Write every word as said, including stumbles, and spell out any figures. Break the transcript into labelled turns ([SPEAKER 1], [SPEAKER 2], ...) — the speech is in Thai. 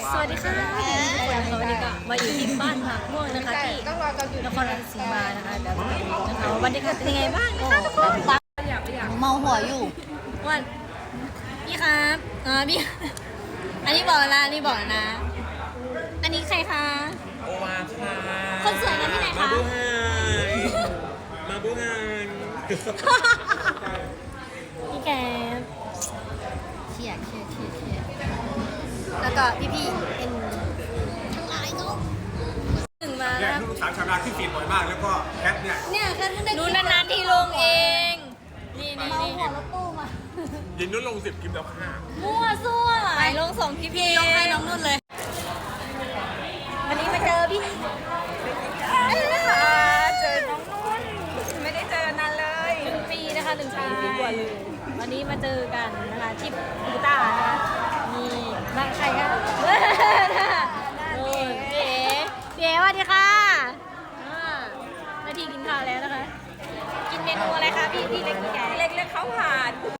[SPEAKER 1] สวัสดีค่ะวันนี้ก็มาอยู่ที่บ้านผักม่วงนะคะที่นครราชสีมานะคะเดี๋ยวมาดูนะคะว่าบรรยากาศเป็นยังไงบ้างนะคะทุกคน
[SPEAKER 2] เมาหัวอยู่
[SPEAKER 1] วันพี่ครับอ่าพี่อันนี้บอกนะอันนี้บอกนะอันนี้ใครคะ
[SPEAKER 3] โอวาค่ะ
[SPEAKER 1] คนสวยมาที่ไหนคะ
[SPEAKER 3] มาบูฮานมาบูฮาน
[SPEAKER 1] พี่แก
[SPEAKER 2] เชียร์เชียร์เชียร์เชียร์
[SPEAKER 1] แล้วก็พี่พี่เป็นทั้งหลายเนาะถึงมา
[SPEAKER 4] เนี่
[SPEAKER 1] แล้
[SPEAKER 4] ยว ลูกสาวชาวนาที่ฟีดบ่อยมากแล้วก็แคทเนี่ย
[SPEAKER 1] เนี่ยแค่ได้ดูนานๆทีลงเอง นี่นี่
[SPEAKER 2] เมา
[SPEAKER 1] นี่
[SPEAKER 2] หัวรถตู้มา
[SPEAKER 4] ยินนุ่นลงสิบคลิปแล้วค่ะ
[SPEAKER 1] มั่วซั่วไปลงส่งพี่พี่ยกให้น้องนุ่นเลย วันนี้มาเจอพี่เอ้ยค่ะเจอน้องนุ่นไม่ได้เจอนานเลยหนึ่งปีนะคะหนึ่งปีกว่าเลยวันนี้มาเจอกันนะคะที่ปูต้านะคะนี่บ้านใครคะโอ้ยเก๋เก๋สวัสดีค่ะอ่านาทีกินข้าวแล้วนะคะ กินเมนูอะไรคะพี่พี่เล็กพี่แก่เล็กเล็กข้าวผัด